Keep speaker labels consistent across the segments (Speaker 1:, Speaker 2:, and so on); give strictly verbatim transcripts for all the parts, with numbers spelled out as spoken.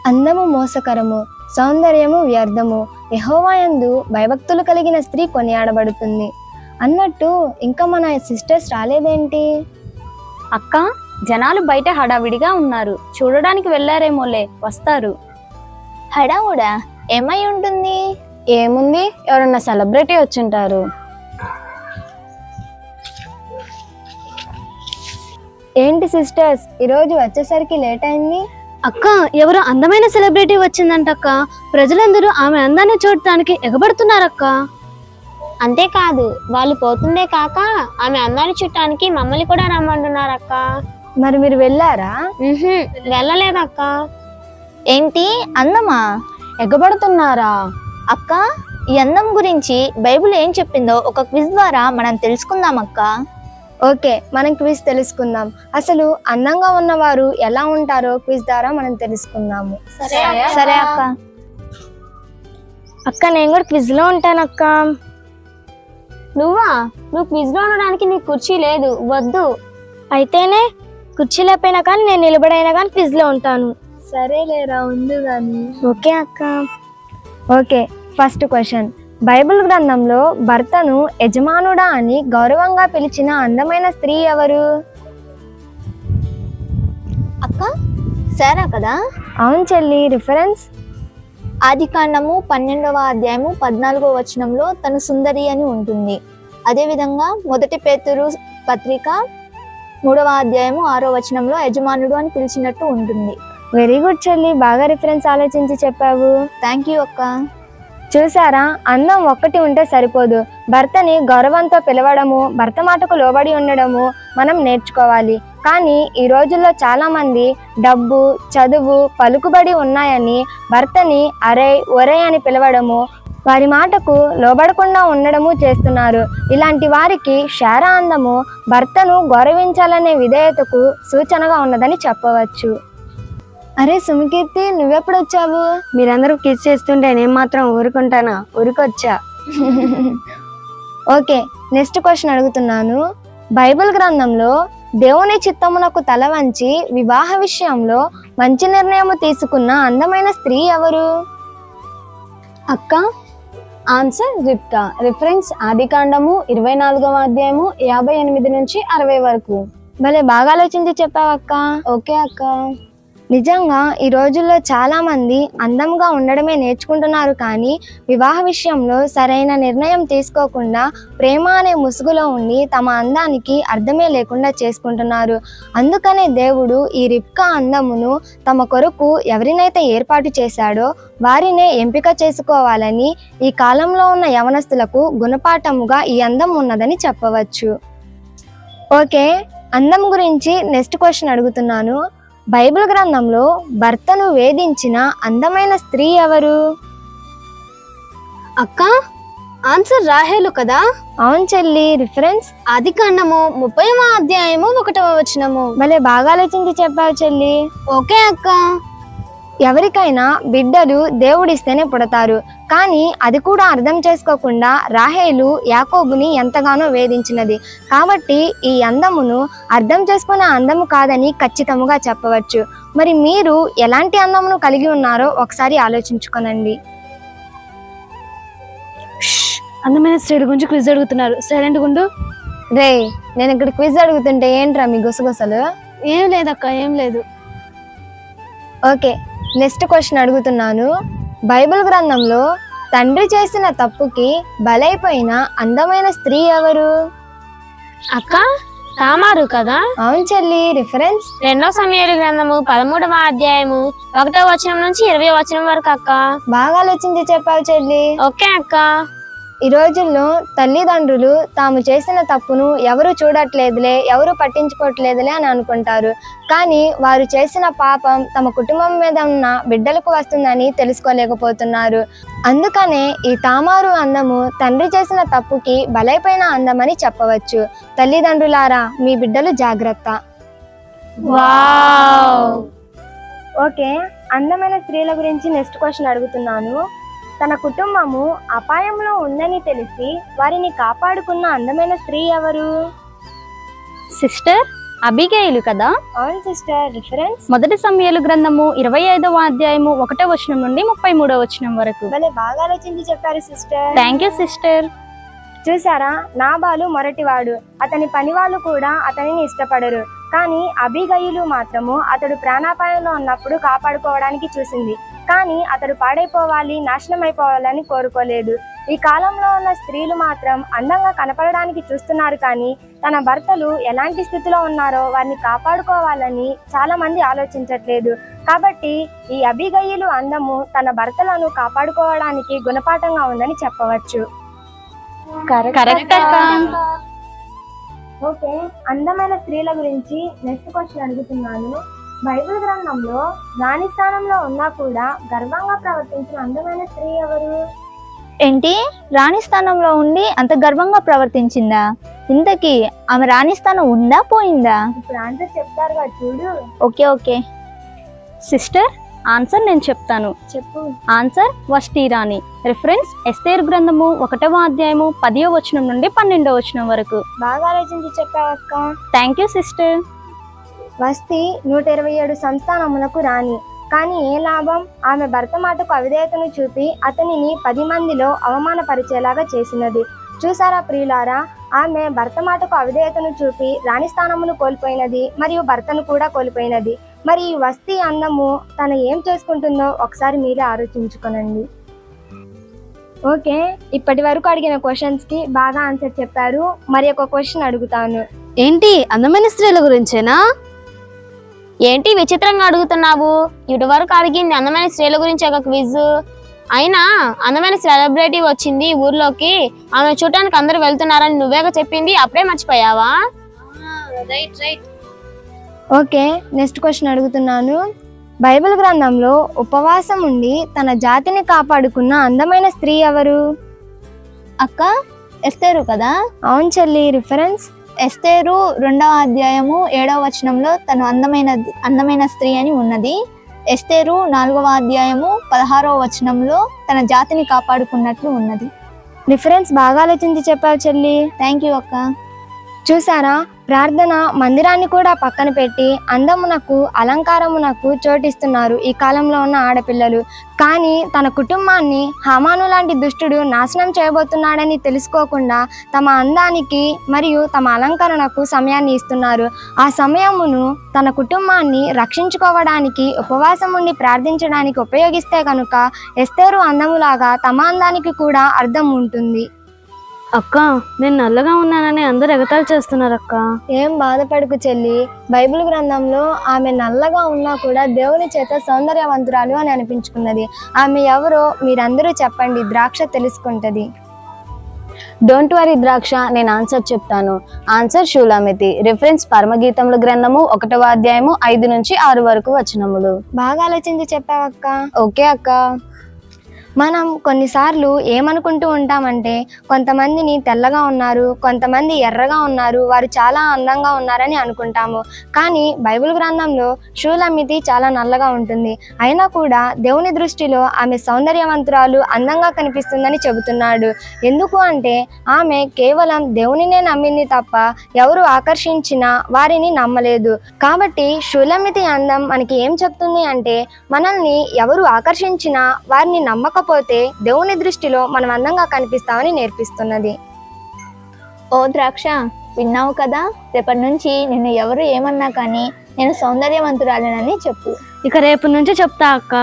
Speaker 1: అందము మోసకరము, సౌందర్యము వ్యర్థము, యెహోవాయందు భయభక్తులు కలిగిన స్త్రీ కొనియాడబడుతుంది. అన్నట్టు ఇంకా మన సిస్టర్స్ రాలేదేంటి?
Speaker 2: అక్క, జనాలు బయట హడావిడిగా ఉన్నారు, చూడడానికి వెళ్ళారేమోలే, వస్తారు.
Speaker 3: హడావుడా ఏమై ఉంటుంది?
Speaker 1: ఏముంది, ఎవరన్నా సెలబ్రిటీ వచ్చింటారు. ఏంటి సిస్టర్స్, ఈరోజు వచ్చేసరికి లేట్ అయింది?
Speaker 2: అక్క, ఎవరో అందమైన సెలబ్రిటీ వచ్చిందంటక్క. ప్రజలందరూ ఆమె అందాన్ని చూడటానికి ఎగబడుతున్నారక్క.
Speaker 3: అంతేకాదు, వాళ్ళు పోతుందే కాక ఆమె అందాన్ని చుట్టానికి మమ్మల్ని కూడా రమ్మంటున్నారక్క.
Speaker 1: మరి మీరు వెళ్ళారా?
Speaker 3: వెళ్ళలేదక్క. ఏంటి, అందమా?
Speaker 1: ఎగబడుతున్నారా?
Speaker 3: అక్క, ఈ అందం గురించి బైబిల్ ఏం చెప్పిందో ఒక క్విజ్ ద్వారా మనం తెలుసుకుందాం అక్క.
Speaker 1: ఓకే, మనం క్విజ్ తెలుసుకుందాం. అసలు అందంగా ఉన్నవారు ఎలా ఉంటారో క్విజ్ ద్వారా మనం తెలుసుకుందాము.
Speaker 3: సరే అక్క.
Speaker 1: అక్క, నేను కూడా క్విజ్ లో ఉంటాను అక్క.
Speaker 3: నువ్వా? నువ్వు క్విజ్ లో ఉండడానికి నీకు కుర్చీ లేదు, వద్దు.
Speaker 1: అయితేనే కుర్చీ లేకపోయినా కానీ నేను నిలబడైనా కానీ క్విజ్ లో ఉంటాను. సరేలేరా, ఉంది కానీ. ఓకే అక్క. Okay, first question. బైబిల్ గ్రంథంలో భర్తను యజమానుడా అని గౌరవంగా పిలిచిన అందమైన స్త్రీ ఎవరు?
Speaker 3: అక్క, సరే కదా?
Speaker 1: అవును చెల్లి. రిఫరెన్స్
Speaker 3: ఆది కాండము పన్నెండవ అధ్యాయము పద్నాలుగో వచనంలో తను సుందరి అని ఉంటుంది. అదేవిధంగా మొదటి పేతురు పత్రిక మూడవ అధ్యాయము ఆరో వచనంలో యజమానుడు అని పిలిచినట్టు ఉంటుంది.
Speaker 1: వెరీ గుడ్ చెల్లి, బాగా రిఫరెన్స్ ఆలోచించి చెప్పావు.
Speaker 3: థ్యాంక్ యూ అక్క.
Speaker 1: చూసారా, అందం ఒక్కటి ఉంటే సరిపోదు, భర్తని గౌరవంతో పిలవడము, భర్త మాటకు లోబడి ఉండడము మనం నేర్చుకోవాలి. కానీ ఈ రోజుల్లో చాలా మంది డబ్బు, చదువు, పలుకుబడి ఉన్నాయని భర్తని అరే ఒరే అని పిలవడము, వారి మాటకు లోబడకుండా ఉండడము చేస్తున్నారు. ఇలాంటి వారికి శారా అందము భర్తను గౌరవించాలనే విధేయతకు సూచనగా ఉన్నదని చెప్పవచ్చు. అరే సుమకీర్తి, నువ్వెప్పుడు వచ్చావు? మీరందరూ కిస్ చేస్తుంటే నేను మాత్రం ఊరుకుంటానా? ఊరుకొచ్చా. ఓకే, నెక్స్ట్ క్వశ్చన్ అడుగుతున్నాను. బైబిల్ గ్రంథంలో దేవుని చిత్తమునకు తల వంచి వివాహ విషయంలో మంచి నిర్ణయం తీసుకున్న అందమైన స్త్రీ ఎవరు?
Speaker 2: అక్క, ఆన్సర్ రిబ్కా. రిఫరెన్స్ ఆది కాండము ఇరవై నాలుగవ అధ్యాయము యాభై ఎనిమిది నుంచి అరవై వరకు.
Speaker 1: భలే బాగా ఆలోచించి చెప్పావక్క.
Speaker 2: ఓకే అక్క.
Speaker 1: నిజంగా ఈ రోజుల్లో చాలా మంది అందంగా ఉండడమే నేర్చుకుంటున్నారు, కానీ వివాహ విషయంలో సరైన నిర్ణయం తీసుకోకుండా ప్రేమ అనే ముసుగులో ఉండి తమ అందానికి అర్థమే లేకుండా చేసుకుంటున్నారు. అందుకనే దేవుడు ఈ రిబ్కా అందమును తమ కొరకు ఎవరినైతే ఏర్పాటు చేశాడో వారినే ఎంపిక చేసుకోవాలని ఈ కాలంలో ఉన్న యవనస్తులకు గుణపాఠముగా ఈ అందం ఉన్నదని చెప్పవచ్చు. ఓకే, అందం గురించి నెక్స్ట్ క్వశ్చన్ అడుగుతున్నాను. బైబిల్ గ్రంథంలో భర్తను వేధించిన అందమైన స్త్రీ ఎవరు?
Speaker 2: అక్క, ఆన్సర్ రాహేలు కదా?
Speaker 1: అవును చెల్లి. రిఫరెన్స్
Speaker 2: ఆది కాండము ముప్పైవ అధ్యాయము ఒకటవ వచనము.
Speaker 1: భలే బాగా ఆలోచించి చెప్పావు చెల్లి.
Speaker 2: ఓకే అక్క.
Speaker 1: ఎవరికైనా బిడ్డలు దేవుడిస్తేనే పుడతారు, కానీ అది కూడా అర్థం చేసుకోకుండా రాహేలు యాకోబుని ఎంతగానో వేధించినది. కాబట్టి ఈ అందమును అర్థం చేసుకునే అందము కాదని ఖచ్చితంగా చెప్పవచ్చు. మరి మీరు ఎలాంటి అందమును కలిగి ఉన్నారో ఒకసారి ఆలోచించుకోనండి.
Speaker 2: అందమైన స్త్రీ గురించి క్విజ్ అడుగుతున్నారు, సైలెంట్ గుండు.
Speaker 1: రే, నేను ఇక్కడ క్విజ్ అడుగుతుంటే ఏంట్రా మీ గుసగుసలు?
Speaker 2: ఏం లేదక్క, ఏం లేదు.
Speaker 1: ఓకే, నెక్స్ట్ క్వశ్చన్ అడుగుతున్నాను. బైబిల్ గ్రంథంలో తండ్రి చేసిన తప్పుకి బలైపోయిన అందమైన స్త్రీ ఎవరు?
Speaker 2: అక్క, తామారు కదా?
Speaker 1: అవును చెల్లి. రిఫరెన్స్
Speaker 3: రెండో సమూయేలు గ్రంథము పదమూడవ అధ్యాయము ఒకటో వచనం నుంచి ఇరవై వచనం వరకు అక్క.
Speaker 1: బాగా ఆలోచించి చెప్పావు చెల్లి.
Speaker 3: ఓకే అక్క.
Speaker 1: ఈ రోజుల్లో తల్లిదండ్రులు తాము చేసిన తప్పును ఎవరు చూడట్లేదులే, ఎవరు పట్టించుకోవట్లేదులే అని అనుకుంటారు. కానీ వారు చేసిన పాపం తమ కుటుంబం మీద ఉన్న బిడ్డలకు వస్తుందని తెలుసుకోలేకపోతున్నారు. అందుకనే ఈ తామారు అందము తండ్రి చేసిన తప్పుకి బలైపోయిన అందమని చెప్పవచ్చు. తల్లిదండ్రులారా, మీ బిడ్డలు జాగ్రత్త.
Speaker 3: వావ్.
Speaker 1: ఓకే, అందమైన స్త్రీల గురించి నెక్స్ట్ క్వశ్చన్ అడుగుతున్నాను. తన కుటుంబము అపాయంలో ఉందని తెలిసి వారిని కాపాడుకున్న అందమైన స్త్రీ ఎవరు?
Speaker 2: సిస్టర్,
Speaker 4: అబిగేయులు కదా?
Speaker 1: అవును సిస్టర్. రిఫరెన్స్
Speaker 4: మొదటి సమూయేలు గ్రంథము ఇరవై ఐదవ అధ్యాయము ఒకటో వచనం నుండి ముప్పై మూడో వచనం వరకు.
Speaker 1: భలే బాగా ఆలోచించి చెప్పారు సిస్టర్.
Speaker 4: Thank you sister.
Speaker 1: చూసారా, నాబాలు మొరటివాడు, అతని పనివాళ్ళు కూడా అతనిని ఇష్టపడరు. కానీ అబిగయిలు మాత్రము అతడు ప్రాణాపాయంలో ఉన్నప్పుడు కాపాడుకోవడానికి చూసింది. కానీ అతడు పాడైపోవాలి, నాశనం అయిపోవాలని కోరుకోలేదు. ఈ కాలంలో ఉన్న స్త్రీలు మాత్రం అందంగా కనపడడానికి చూస్తున్నారు, కానీ తన భర్తలు ఎలాంటి స్థితిలో ఉన్నారో వారిని కాపాడుకోవాలని చాలా మంది ఆలోచించట్లేదు. కాబట్టి ఈ అబిగయిలు అందము తన భర్తలను కాపాడుకోవడానికి గుణపాఠంగా ఉందని చెప్పవచ్చు.
Speaker 4: కరెక్ట్ అక్క.
Speaker 1: ఓకే, అందమైన స్త్రీల గురించి నెక్స్ట్ క్వశ్చన్ అడుగుతున్నాను. బైబిల్ గ్రంథంలో రాణి స్థానంలో ఉన్నా కూడా గర్వంగా ప్రవర్తించిన అందమైన స్త్రీ ఎవరు?
Speaker 3: ఏంటి, రాణి స్థానంలో ఉండి అంత గర్వంగా ప్రవర్తించిందా? ఇంతకీ ఆమె రాణి స్థానం ఉందా పోయిందా?
Speaker 1: ఇప్పుడు ఆన్సర్ చెప్తారుగా చూడు.
Speaker 3: ఓకే ఓకే
Speaker 4: సిస్టర్, ఆన్సర్ నేను చెప్తాను.
Speaker 1: చెప్పు.
Speaker 4: ఆన్సర్ వష్టి రాణి. రిఫరెన్స్ ఎస్తేరు గ్రంథము ఒకటవ అధ్యాయము పదియో వచనం నుండి పన్నెండో వచనం వరకు.
Speaker 1: బాగా ఆలోచించి చెప్పావక్క.
Speaker 4: Thank you sister.
Speaker 1: వస్తి నూట ఇరవై ఏడు సంస్థానములకు రాణి, కానీ ఏ లాభం? ఆమె భర్త మాటకు అవిధేయతను చూపి అతనిని పది మందిలో అవమానపరిచేలాగా చేసినది. చూసారా ప్రియులారా, ఆమె భర్త మాటకు అవిధేయతను చూపి రాణి స్థానమును కోల్పోయినది మరియు భర్తను కూడా కోల్పోయినది. మరి ఈ వస్తి అందము తను ఏం చేసుకుంటుందో ఒకసారి మీరే ఆలోచించుకోనండి. ఓకే, ఇప్పటి వరకు అడిగిన క్వశ్చన్స్ కి బాగా ఆన్సర్ చెప్పారు. మరి ఒక క్వశ్చన్ అడుగుతాను.
Speaker 2: ఏంటి, అందమైన స్త్రీల గురించేనా?
Speaker 5: ఏంటి విచిత్రంగా అడుగుతున్నావు? ఇటు వరకు అడిగింది అందమైన స్త్రీల గురించి ఒక క్విజ్. అయినా అందమైన సెలబ్రిటీ వచ్చింది ఊర్లోకి, ఆమె చూడటానికి అందరూ వెళ్తున్నారని నువ్వేగా చెప్పింది, అప్పుడే మర్చిపోయావా?
Speaker 2: Right right.
Speaker 1: Okay, next question అడుగుతున్నాను. బైబిల్ గ్రంథంలో ఉపవాసం ఉండి తన జాతిని కాపాడుకున్న అందమైన స్త్రీ ఎవరు?
Speaker 3: అక్క, ఎస్తేరు కదా?
Speaker 1: అవును చెల్లి. రిఫరెన్స్
Speaker 3: ఎస్తేరు రెండవ అధ్యాయము ఏడవ వచనంలో తను అందమైన అందమైన స్త్రీ అని ఉన్నది. ఎస్తేరు నాలుగవ అధ్యాయము పదహారవ వచనంలో తన జాతిని కాపాడుకున్నట్లు ఉన్నది.
Speaker 1: రిఫరెన్స్ బాగా ఆలోచించి చెప్పావు చెల్లి.
Speaker 3: థ్యాంక్ యూ అక్క.
Speaker 1: చూసారా, ప్రార్థన మందిరాన్ని కూడా పక్కన పెట్టి అందమునకు అలంకారమునకు చోటిస్తున్నారు ఈ కాలంలో ఉన్న ఆడపిల్లలు. కానీ తన కుటుంబాన్ని హామాను లాంటి దుష్టుడు నాశనం చేయబోతున్నాడని తెలుసుకోకుండా తమ అందానికి మరియు తమ అలంకరణకు సమయాన్ని ఇస్తున్నారు. ఆ సమయమును తన కుటుంబాన్ని రక్షించుకోవడానికి ఉపవాసం ఉండి ప్రార్థించడానికి ఉపయోగిస్తే కనుక ఎస్తేరు అందములాగా తమ అందానికి కూడా అర్థం ఉంటుంది.
Speaker 2: అక్క, నేను నల్లగా ఉన్నానని అందరు ఎగతాళి చేస్తున్నారు అక్క.
Speaker 1: ఏం బాధపడకు చెల్లి, బైబిల్ గ్రంథంలో ఆమె నల్లగా ఉన్నా కూడా దేవుని చేత సౌందర్యవంతురాలు అని అనిపించుకున్నది. ఆమె ఎవరో మీరందరూ చెప్పండి, ద్రాక్ష తెలుసుకుంటది.
Speaker 2: డోంట్ వరీ ద్రాక్ష, నేను ఆన్సర్ చెప్తాను. ఆన్సర్ షూలామితి. రిఫరెన్స్ పరమగీతముల గ్రంథము ఒకటవ అధ్యాయము ఐదు నుంచి ఆరు వరకు వచనములు.
Speaker 1: బాగా ఆలోచించి చెప్పావక్క.
Speaker 2: ఓకే అక్క.
Speaker 1: మనం కొన్నిసార్లు ఏమనుకుంటూ ఉంటామంటే కొంతమందిని తెల్లగా ఉన్నారు, కొంతమంది ఎర్రగా ఉన్నారు, వారు చాలా అందంగా ఉన్నారని అనుకుంటాము. కానీ బైబిల్ గ్రంథంలో షూలమితి చాలా నల్లగా ఉంటుంది. అయినా కూడా దేవుని దృష్టిలో ఆమె సౌందర్యవంతురాలు, అందంగా కనిపిస్తుందని చెబుతున్నాడు. ఎందుకు అంటే ఆమె కేవలం దేవునినే నమ్మింది తప్ప ఎవరు ఆకర్షించినా వారిని నమ్మలేదు. కాబట్టి షూలమితి అందం మనకి ఏం చెప్తుంది అంటే మనల్ని ఎవరు ఆకర్షించినా వారిని నమ్మక పోతే దేవుని దృష్టిలో మనం అందంగా కనిపిస్తామని నేర్పిస్తున్నది.
Speaker 3: ఓ ద్రాక్ష, విన్నావు కదా? రేపటి నుంచి నిన్ను ఎవరు ఏమన్నా కానీ నేను సౌందర్యవంతురాలేనని చెప్పు.
Speaker 2: ఇక రేపు నుంచి చెప్తా అక్క.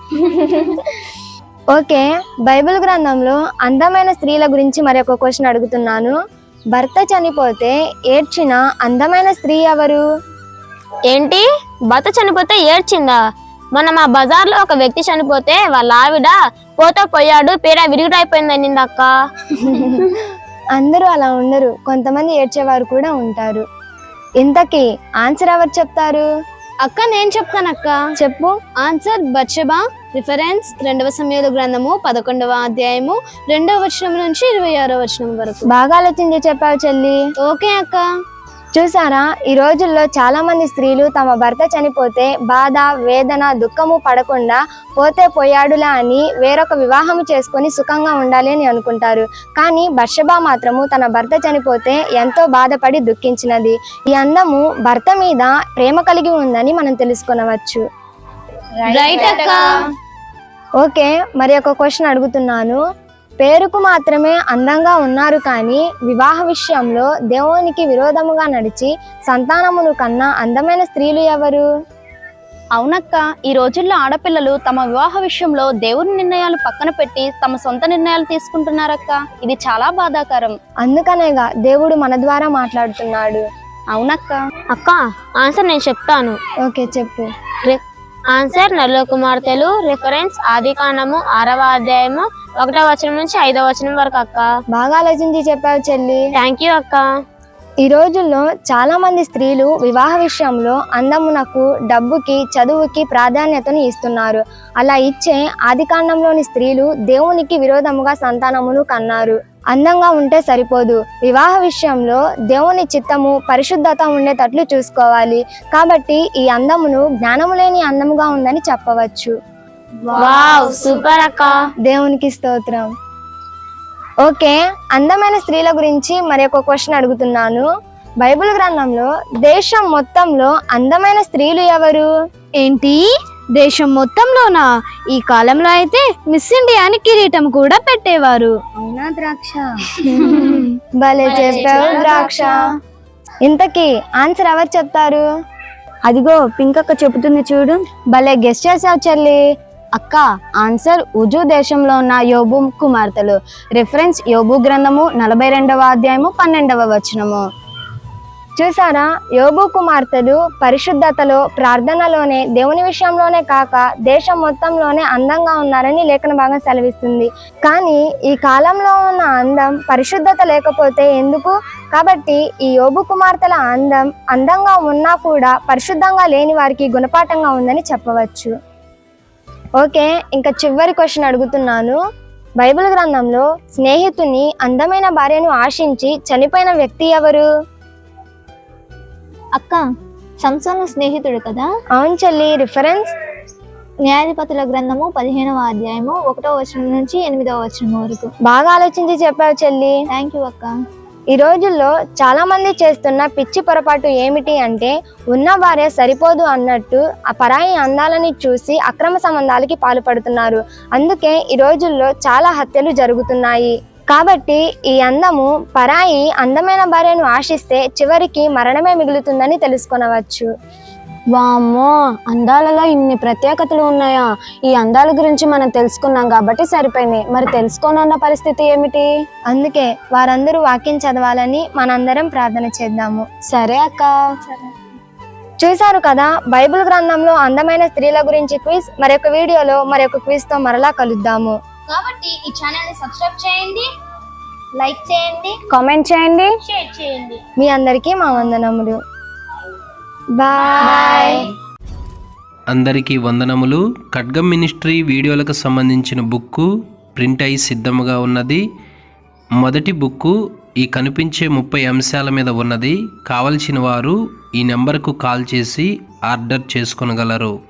Speaker 1: ఓకే, బైబిల్ గ్రంథంలో అందమైన స్త్రీల గురించి మరి ఒక క్వశ్చన్ అడుగుతున్నాను. భర్త చనిపోతే ఏడ్చిన అందమైన స్త్రీ ఎవరు?
Speaker 5: ఏంటి, భర్త చనిపోతే ఏడ్చిందా? మొన్న మా బజార్లో ఒక వ్యక్తి చనిపోతే వాళ్ళ ఆవిడ పోతా పోయాడు, పీడ విరుగుడైపోయిందని అక్క.
Speaker 1: అందరూ అలా ఉండరు, కొంతమంది ఏడ్చేవారు కూడా ఉంటారు. ఇంతకీ ఆన్సర్ ఎవరు చెప్తారు?
Speaker 2: అక్క, నేను చెప్తాను అక్క.
Speaker 1: చెప్పు.
Speaker 2: Answer Bathsheba. రిఫరెన్స్ రెండవ సమూయేలు గ్రంథము పదకొండవ అధ్యాయము రెండవ వచనం నుంచి ఇరవై ఆరో వచనం వరకు.
Speaker 1: బాగా ఆలోచించి చెప్పావు చెల్లి.
Speaker 2: ఓకే అక్క.
Speaker 1: చూసారా, ఈ రోజుల్లో చాలా మంది స్త్రీలు తమ భర్త చనిపోతే బాధ, వేదన, దుఃఖము పడకుండా పోతే పోయాడులా అని వేరొక వివాహం చేసుకొని సుఖంగా ఉండాలి అని అనుకుంటారు. కానీ బత్షెబ మాత్రము తన భర్త చనిపోతే ఎంతో బాధపడి దుఃఖించినది. ఈ అందము భర్త మీద ప్రేమ కలిగి ఉందని మనం తెలుసుకొనవచ్చు.
Speaker 5: రైట్ అక్క.
Speaker 1: ఓకే, మరి ఒక క్వశ్చన్ అడుగుతున్నాను. పేరుకు మాత్రమే అందంగా ఉన్నారు కానీ వివాహ విషయంలో దేవునికి విరోధముగా నడిచి సంతానమును కన్నా అందమైన స్త్రీలు ఎవరు?
Speaker 4: అవునక్క, ఈ రోజుల్లో ఆడపిల్లలు తమ వివాహ విషయంలో దేవుని నిర్ణయాలు పక్కన పెట్టి తమ సొంత నిర్ణయాలు తీసుకుంటున్నారక్క. ఇది చాలా బాధాకరం.
Speaker 1: అందుకనేగా దేవుడు మన ద్వారా మాట్లాడుతున్నాడు.
Speaker 4: అవునక్క.
Speaker 5: అక్క ఆన్సర్ నేను చెప్తాను.
Speaker 1: ఓకే, చెప్పు.
Speaker 5: ఆన్సర్ నలుగురు కుమార్తెలు. రిఫరెన్స్ ఆది కాండము ఆరవ అధ్యాయము ఒకటో వచనం నుంచి ఐదో వచనం వరకు అక్క.
Speaker 1: బాగా ఆలోచించి చెప్పావు చెల్లి.
Speaker 5: థ్యాంక్ యూ అక్క.
Speaker 1: ఈ రోజుల్లో చాలా మంది స్త్రీలు వివాహ విషయంలో అందమునకు, డబ్బుకి, చదువుకి ప్రాధాన్యతను ఇస్తున్నారు. అలా ఇచ్చే ఆదికాండంలోని స్త్రీలు దేవునికి విరోధముగా సంతానమును కన్నారు. అందంగా ఉంటే సరిపోదు, వివాహ విషయంలో దేవుని చిత్తము, పరిశుద్ధత ఉండేటట్లు చూసుకోవాలి. కాబట్టి ఈ అందమును జ్ఞానము లేని అందముగా ఉందని చెప్పవచ్చు.
Speaker 5: వావ్, సూపర్ అక్క.
Speaker 1: దేవునికి స్తోత్రం. ఓకే, అందమైన స్త్రీల గురించి మరి ఒక క్వశ్చన్ అడుగుతున్నాను. బైబిల్ గ్రంథంలో దేశం మొత్తంలో అందమైన స్త్రీలు ఎవరు?
Speaker 2: ఏంటి, దేశం మొత్తంలోనా? ఈ కాలంలో అయితే మిస్ ఇండియా అని కిరీటం కూడా పెట్టేవారు.
Speaker 1: అవునా ద్రాక్ష? భలే చెప్పావు ద్రాక్ష. ఇంతకీ ఆన్సర్ ఎవరు చెప్తారు?
Speaker 2: అదిగో పింక్ అక్క చెబుతుంది చూడు.
Speaker 1: భలే గెస్ట్ చేసావు చెల్లి.
Speaker 2: అక్క, ఆన్సర్ ఉజు దేశంలో ఉన్న యోబు కుమార్తెలు. రిఫరెన్స్ యోబు గ్రంథము నలభై రెండవ అధ్యాయము పన్నెండవ వచనము.
Speaker 1: చూసారా, యోబు కుమార్తెలు పరిశుద్ధతలో, ప్రార్థనలోనే, దేవుని విషయంలోనే కాక దేశం మొత్తంలోనే అందంగా ఉన్నారని లేఖన భాగం సెలవిస్తుంది. కానీ ఈ కాలంలో ఉన్న అందం పరిశుద్ధత లేకపోతే ఎందుకు? కాబట్టి ఈ యోబు కుమార్తెల అందం అందంగా ఉన్నా కూడా పరిశుద్ధంగా లేని వారికి గుణపాఠంగా ఉందని చెప్పవచ్చు. ఓకే, ఇంకా చివరి క్వశ్చన్ అడుగుతున్నాను. బైబిల్ గ్రంథంలో స్నేహితుని అందమైన భార్యను ఆశించి చనిపోయిన వ్యక్తి ఎవరు?
Speaker 3: అక్క సంసోను స్నేహితుడు కదా.
Speaker 1: అవును చెల్లి. రిఫరెన్స్
Speaker 3: న్యాయాధిపతుల గ్రంథము పదిహేనవ అధ్యాయము ఒకటో వచనం నుంచి ఎనిమిదవ వచనం వరకు.
Speaker 1: బాగా ఆలోచించి చెప్పావు చెల్లి.
Speaker 3: థ్యాంక్ యూ అక్క.
Speaker 1: ఈ రోజుల్లో చాలా మంది చేస్తున్న పిచ్చి పొరపాటు ఏమిటి అంటే, ఉన్న భార్య సరిపోదు అన్నట్టు ఆ పరాయి అందాలని చూసి అక్రమ సంబంధాలకి పాల్పడుతున్నారు. అందుకే ఈ రోజుల్లో చాలా హత్యలు జరుగుతున్నాయి. కాబట్టి ఈ అందము పరాయి అందమైన భార్యను ఆశిస్తే చివరికి మరణమే మిగులుతుందని తెలుసుకొనవచ్చు.
Speaker 2: వామ్మో, అందాలలో ఇన్ని ప్రత్యేకతలు ఉన్నాయా? ఈ అందాల గురించి మనం తెలుసుకున్నాం కాబట్టి సరిపోయింది. మరి తెలుసుకోనున్న పరిస్థితి ఏమిటి?
Speaker 1: అందుకే వారందరూ వాక్యం చదవాలని మనందరం ప్రార్థన చేద్దాము.
Speaker 2: సరే అక్క.
Speaker 1: చూశారు కదా, బైబిల్ గ్రంథంలో అందమైన స్త్రీల గురించి క్విజ్. మరొక వీడియోలో మరొక క్విజ్ తో మరలా కలుద్దాము.
Speaker 5: కాబట్టి ఈ ఛానల్ ని సబ్స్క్రైబ్ చేయండి, లైక్ చేయండి,
Speaker 2: కామెంట్ చేయండి,
Speaker 5: షేర్ చేయండి.
Speaker 1: మీ అందరికీ మా వందనములు. బాయ్.
Speaker 6: అందరికీ వందనములు. ఖడ్గం మినిస్ట్రీ వీడియోలకు సంబంధించిన బుక్కు ప్రింట్ అయి సిద్ధముగా ఉన్నది. మొదటి బుక్కు ఈ కనిపించే ముప్పై అంశాల మీద ఉన్నది. కావలసిన వారు ఈ నెంబర్కు కాల్ చేసి ఆర్డర్ చేసుకొనగలరు.